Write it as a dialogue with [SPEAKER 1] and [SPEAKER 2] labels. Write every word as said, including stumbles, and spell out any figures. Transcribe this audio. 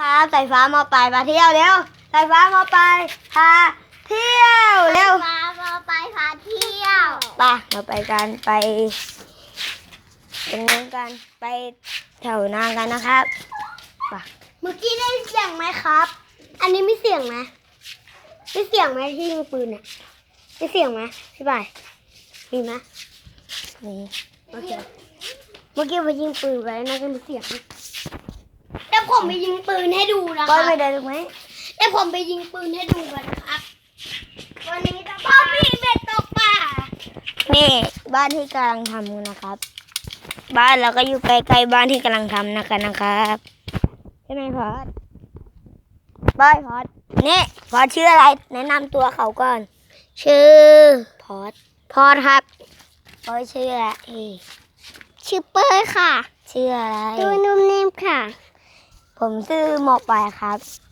[SPEAKER 1] ครับสายฟ้ามาไปมาเที่ยวเร็วสายฟ้ามาไปพาเที่ยวเร็ว
[SPEAKER 2] ฟ้ามาไปพาเที่ยว
[SPEAKER 1] ไปเราไปกันไปตรงนู้นกันไปแถวนากันนะครับไป
[SPEAKER 2] เมื่อกี้ได้เสียงไหมครับ อันนี้มีเสียงไหมมีเสียงไหมที่ยิงปืนอ่ะมีเสียงไหมพี่บ่ายมีไหม
[SPEAKER 1] นี่
[SPEAKER 2] โอเคเมื่อกี้ไปยิงปืนไว้น่าจะมีเสียงเดี๋ยวผมไปยิงปืนให้ดูนะค
[SPEAKER 1] ก้อ
[SPEAKER 2] รั
[SPEAKER 1] ย
[SPEAKER 2] บ
[SPEAKER 1] ไม่ได้ถูกไหม
[SPEAKER 2] เดี๋ยวผมไปยิงปืนให้ดูกันนะครับ วันนี้จะพ่อพี่เบ็ดตกปลา
[SPEAKER 1] นี่บ้านที่กำลังทำนะครับ บ้านเราก็อยู่ใกล้ๆบ้านที่กำลังทำนะคะนะครับใช่ไหมพอดบ้านพอดนี่พอดชื่ออะไรแนะนำตัวเขาก่อน
[SPEAKER 2] ชื่อ
[SPEAKER 1] พอด
[SPEAKER 2] พอครับ
[SPEAKER 1] พอดชื่ออะไร
[SPEAKER 2] ชื่อเป้ยค่ะ
[SPEAKER 1] ชื่ออะไร
[SPEAKER 2] ชื่อนุ่มนิ่มค่ะ
[SPEAKER 1] ผมชื่อหมอกปลายครับ